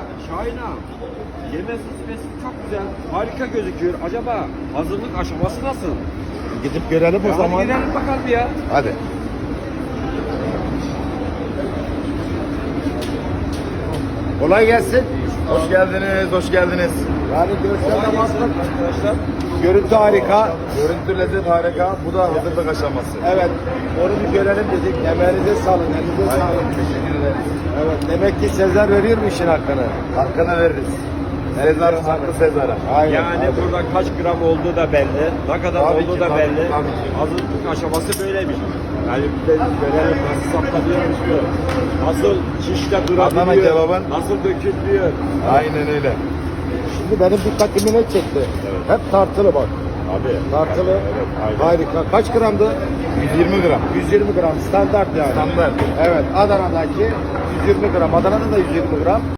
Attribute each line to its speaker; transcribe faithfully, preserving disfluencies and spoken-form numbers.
Speaker 1: Şahin ağam, yeme süsmesi çok güzel, harika gözüküyor. Acaba hazırlık aşaması nasıl?
Speaker 2: Gidip görelim o
Speaker 1: Ya hadi
Speaker 2: zaman.
Speaker 1: gidelim bakalım ya.
Speaker 2: Hadi. Kolay gelsin.
Speaker 3: Hoş geldiniz, hoş geldiniz.
Speaker 2: Yani görsel
Speaker 1: Kolay
Speaker 2: amaçlı
Speaker 1: gelsin arkadaşlar.
Speaker 2: görüntü harika.
Speaker 3: Görüntü lezzet harika. Bu da hazırlık aşaması.
Speaker 2: Evet. Onu bir görelim dedik. Emeğinize sağlık. Elinize
Speaker 3: Aynen,
Speaker 2: sağlık.
Speaker 3: teşekkür ederiz.
Speaker 2: Evet. Demek ki Sezer veriyor mu işin hakkını?
Speaker 3: Hakkını veririz. Sezar, haklı Sezar'a.
Speaker 2: Aynen.
Speaker 1: Yani
Speaker 2: aynen.
Speaker 1: burada kaç gram olduğu da belli, ne kadar
Speaker 3: Tabii
Speaker 1: olduğu
Speaker 3: ki,
Speaker 1: da
Speaker 3: tabii,
Speaker 1: belli.
Speaker 3: tabii ki.
Speaker 1: Hazırlık aşaması böyleymiş. Yani bir de görelim nasıl saptanıyormuş diyor. Nasıl şişte
Speaker 3: Adana
Speaker 1: durabiliyor,
Speaker 3: kebabın-
Speaker 1: nasıl dökülüyor.
Speaker 3: Aynen öyle.
Speaker 2: Şimdi benim dikkatimi ne çekti? Hep tartılı bak.
Speaker 1: Abi.
Speaker 2: Tartılı.
Speaker 1: Evet, aynen.
Speaker 2: Harika. Kaç gramdı?
Speaker 3: yüz yirmi gram.
Speaker 2: yüz yirmi gram. Standart yani.
Speaker 3: Standart.
Speaker 2: Evet. Adana'daki yüz yirmi gram. Adana'da da yüz yirmi gram.